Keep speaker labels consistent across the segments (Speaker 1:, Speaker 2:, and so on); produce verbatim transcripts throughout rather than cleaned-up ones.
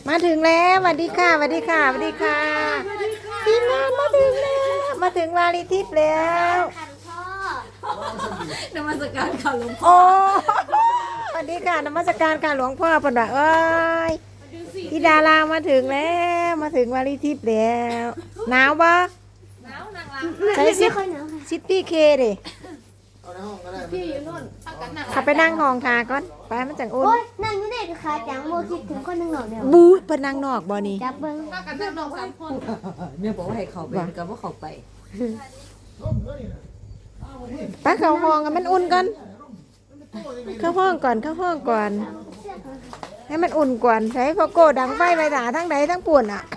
Speaker 1: มาถึงแล้วสวัสดีค่ะสวัสดีค่ะสวัสดีค่ะทีมงานมาถึงแล้วมาถึงวาริทิพย์แล้ว
Speaker 2: นมัสการค่ะหลวงพ่อ
Speaker 1: โอ้สวัสดีค่ะนมัสการค่ะหลวงพ่อปนว่าเอ้ยที่ดารามาถึงแล้วมาถึงวาริทิพย์แล้วหนาวปะ
Speaker 2: หนาวนางรำ
Speaker 1: ใช้ซิซิตี้เคดิ
Speaker 2: พี่อยู่นู่นพักกันนั่ง
Speaker 1: ขับไปนั่งห้องทาก่อนไปมันจังอุ่น
Speaker 3: โอ้ยนั่งอยู่ไหนกับขาจังโมคิดถึงคนหนึ่งหน่อยเดียว
Speaker 1: บู๊เพิ่นนั่งนอกบ่นี่
Speaker 3: จับเบิ้ง
Speaker 2: พักกันนั่งลงสามคนเมียบอกว่าให้เขาไปกับว่าเขาไป
Speaker 1: ไปเข้าห้องกันมันอุ่นก่อนเข้าห้องก่อนเข้าห้องก่อนให้มันอุ่นก่อนใช้พอโกดังไฟไปหาทั้งใดทั้งป่วนอ่ะ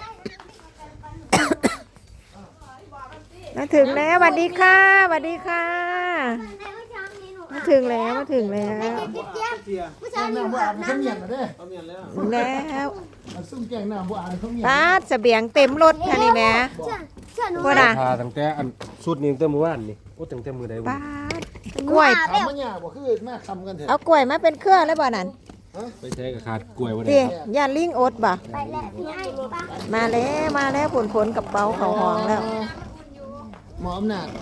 Speaker 1: มาถึงแล้วสวัสดีค่ะสวัสดีค่ะมาถึงแล้วมาถึงแล้ว
Speaker 3: ผู้ชายนี่
Speaker 4: บ่อ่านเขาเมียนมาเด้อ
Speaker 1: ถึงแล้ว
Speaker 4: ซุ่มแกงน้ำบ่อ่านเขาเมียน
Speaker 1: ปาดเสบียงเต็มรถค่ะนี่แม่
Speaker 3: เชื่อเชื่อหนู
Speaker 1: บ่น่ะ
Speaker 5: พาตั้งแต่อันสุดนี้ตั้งแต่เมื่อวานนี่โอ้ตั้งแต่มื้อใดวะ
Speaker 1: ปาดกล้วย
Speaker 4: ถามว่าเนี่ยบ่คือมาคำกันเถอะ
Speaker 1: เอากล้วยมาเป็นเครือแล้วบ่นั่น
Speaker 5: ไปใช้กับขาดกล้วยบ่ได้
Speaker 1: ดิย่าลิงอดบ่
Speaker 3: ไปแล้วพี่ไอ้ป้า
Speaker 1: มาแล้วมาแล้วผลผลกับเป๋าเขาห้องแล้ว
Speaker 4: หมออำนาจ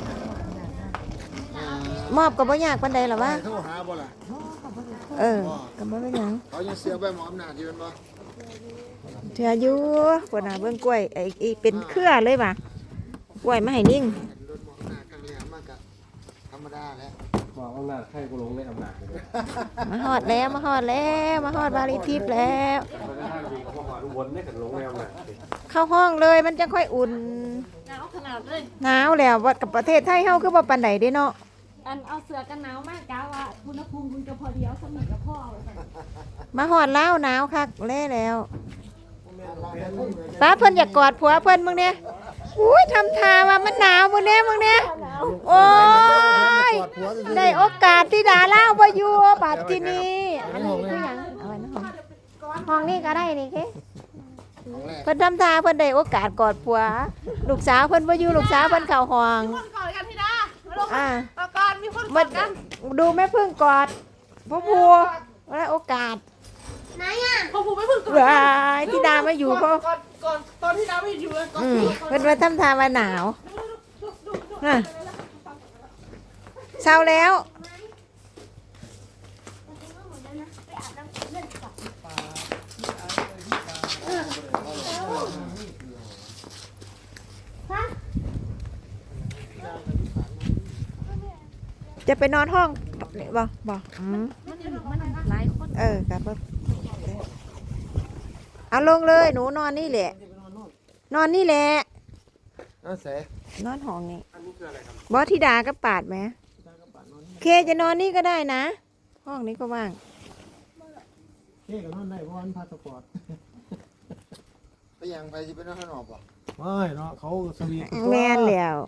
Speaker 1: มอบกับบ่ยากปานใดหรอวะ
Speaker 4: โทรหาบ่ล่ะ
Speaker 1: เออกับบ่เป็นหยัง
Speaker 4: เขายังเสียไปหมออำนาจอยู่แม่นบ่
Speaker 1: เถื่ออยู่คนน่ะเบิ่งกล้วยไอ้ไอ้เป็นเครือเลยว่ะกล้วยมาให้นิ่ง
Speaker 4: รถหมออำนาจครั้งนี้มากะธรรมดาแล้ว
Speaker 5: บอกอำนาจใครกูลงในอำนาจเลย
Speaker 1: มาฮอดแล้วมาฮอดแล้วมาฮอดวาริทิพย์แล้ว
Speaker 5: ไปทางนี้ก็บ่ฮอดอุบลได้กันลงในอำนาจ
Speaker 1: เข้าห้องเลยมันจะค่อยอุ่น
Speaker 2: หนาวขนาดเลย
Speaker 1: หนาวแล้วว่ากับประเทศไทยเฮาคือบ่ปานใดเด้เนาะ
Speaker 2: อันเอาเสือกันหนาวมากกะว่าอุณหภูมิคุณจะพอดีเอาสมิกับพ่อ
Speaker 1: มาฮอดแล้วหนาวคักแล้แล้วป้าเพิ่นอยากกอดผัวเพิ่นมึงเนี่ยอุ้ยทำท่าว่ามันหนาวมึงเนี่ยมึงเนี่ยโอ้ยได้โอกาสที่ดาล่าบ่อยู่บัดที่นี่อันนี้คือหยังเอาไว้ในห้องห้องนี้ก็ได้นี่เด้เพิ่นทำท่าเพิ่นได้โอกาสกอดผัวลูกสาวเพิ่นบ่อยู่ลูกสาวเพิ่นเข้าห้อง
Speaker 2: คนกอดกันที่ดาลง
Speaker 1: อ่า
Speaker 2: ตะกอนมีคนก
Speaker 1: มา
Speaker 2: อดกัน
Speaker 1: ดูแม่พึ่งกอดพ่อผัวได้โอกาส
Speaker 3: ไหนอ่ะ
Speaker 2: พอผูไม่พึ่งกอด
Speaker 1: ว้ายที่ดามาอยู่เพราะ
Speaker 2: ก่อนก่อนตอนที่ดาไม่อยู่เลยก่อน
Speaker 1: อืมเพิ่นว่าทำท่าว่าหนาวฮะเช้าแล้ว จะไปนอนห้องบ่บ่อืม
Speaker 2: มันมันหลายคน
Speaker 1: เออกับเอาลงเลยหนูนอนนี่แหละ นอนนี่แหละ
Speaker 4: เอาเส
Speaker 1: นอนห้องนี่บอสธิดาก็ปาดไหมเคจะนอนนี่ก็ได้นะ ห้องนี้ก็ว่าง
Speaker 4: เฮ้ก็นอนได้เพราะมันพาสปอร์ตไปยังไปสิไปนอนข้างนอกบ่ไม่เนาะเขาสวีท
Speaker 1: แม่นแล้ว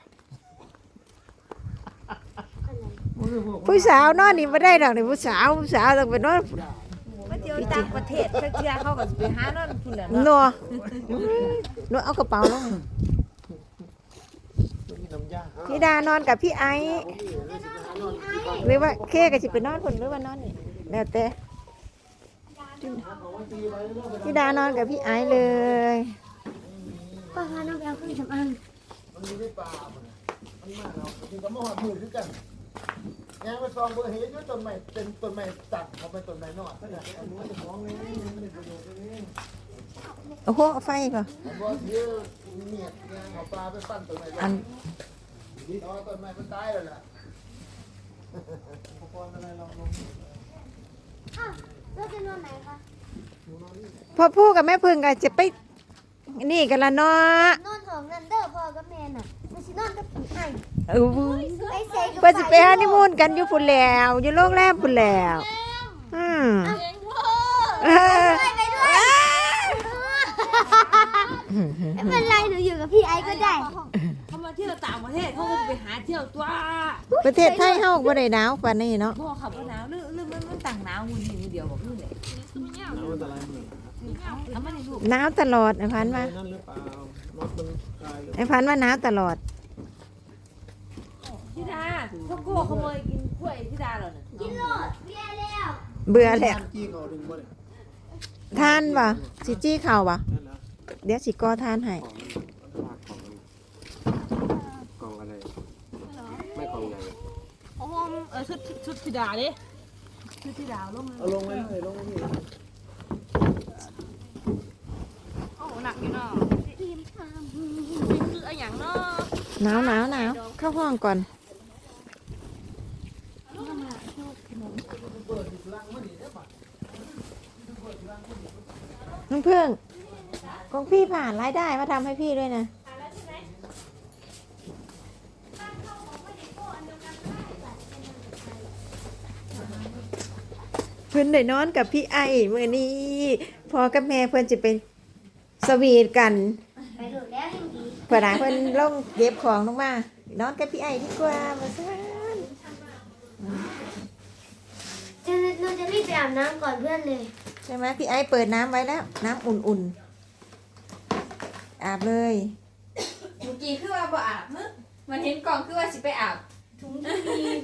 Speaker 1: ผู้สาวนอนนี่ไม่ได้ดอกนี่ผู้สาวผู้สาวต้องไปนอน
Speaker 2: มาเที่ยวต่างประเทศเพื่อเขาก็ไปหานั่นคุณเหรอ
Speaker 1: นัวนัวเอากระเป๋าลง
Speaker 4: มีน้ำยา
Speaker 1: ธิดานอนกับพี่ไอซ์หรือว่าเคกับสิไปนอนคนหรือว่านอนนี่แล้วแต่ธิดานอนกับพี่ไอซ์เลย
Speaker 3: ป้าพาน้องไปเอาเครื่องสำอาง
Speaker 4: มันมีในป่ามันมันมาเราจริงก็มาหอดมือคือกันยางไปซองเบอร์เฮ็ดอยู่ต้นไม้เป็นต้นไม้ตัดเขาเป็นต้นไม้นอดนั่นแหละอันนี้จะฟ้องนี่มันเป็นประโยชน์นี่
Speaker 1: โอ้โหเอาไฟก่อน
Speaker 4: ผมบอกเยอะเมียดยางเอาปลาไปปั้นต้นไม้
Speaker 1: อัน
Speaker 4: เอาต้นไม้มันตายแล้วล่ะอุปกรณ์อะไรเราลง
Speaker 3: อ้าวแล้วจะนอนไหนคะ
Speaker 1: พ่อพูดกับแม่พึ่งก็จะไปนี่กันละเนาะ
Speaker 3: นอนห้องนั่นเด้อพ่อกับแม่น่ะไม่ใช่นอนกับผีไอ้
Speaker 1: เออ
Speaker 3: ไปเซ็ก
Speaker 1: เพื่อจะไปฮันนีมูนกันอยู่พุ่นแล้วอยู่โรงแรมพุ่นแล้วอืม
Speaker 2: เองพ่อ
Speaker 1: เออ
Speaker 3: ไปด้วยไม่เป็นไรหนูอยู่กับพี่ไอ้ก็ได้
Speaker 2: เขามาเที่ยวต่างประเทศเขาก็ไปหาเที่ยวตัว
Speaker 1: ประเทศไทยเฮาบ่ได้หนาวปานนี้เนาะ
Speaker 2: พ่อขับหนาวหรือหรือมันมันต่างหนาวมือดีมือเดียวบอกนี่เลย
Speaker 4: เอาอันตรายมือ
Speaker 2: ทำไมลูก
Speaker 1: หนาวตลอดไอ้พันว่า
Speaker 4: นั่นหรือเปล่ารถมันตายเลย
Speaker 1: ไอ้พันว่าหนาวตลอด
Speaker 2: ธิดาพ่อโก้ขโมยกินกล้วยธิดาเหรอเนี่ย
Speaker 3: กินโลดเบียร์แล้ว
Speaker 1: เบื่อแล้ว
Speaker 4: จี้เขาดึงบ่ได้
Speaker 1: ทานบ่สิจี้เข่าบ่เดี๋ยวสิก่อทานให้
Speaker 5: กล่องอะไรไม่กล่องใหญ่
Speaker 2: โอ้โหเออชุดชุดธิดาดิชุดธิดาลงเลย
Speaker 4: เอาลงไว้เลยลงไว้นี่
Speaker 2: โอ้หนักอยู่เนาะ
Speaker 3: ทีมท
Speaker 2: คืออะไรอย่างเนาะ
Speaker 1: หนาวหนาวหนาวเข้าห้องก่อนน้องเพื่อนของพี่ผ่านรายได้มาทำให้พี่ด้วยนะเพื่อนได้นอนกับพี่ไอ้เมื่อนี้พอกับแม่เพื่อนจะเป็นสวีทกัน
Speaker 3: ำไปดูแล้วยังดี
Speaker 1: เพื่อนหาเพื่อนลงเก็บของลงมานอนกับพี่ไอ้ดีกว่ามาซ่าน
Speaker 3: จะหนูจะรีบไปอาบน้ำก่อนเพื่อนเลย
Speaker 1: ใช่ไหมพี่ไอ้เปิดน้ำไว้แล้ว น้ำอุ่นๆ อาบเลย
Speaker 2: เมื่อกี้คือว่าบ่อาบมึงมันเห็นกล่องคือว่าสิไปอาบ
Speaker 3: ถุงที่มี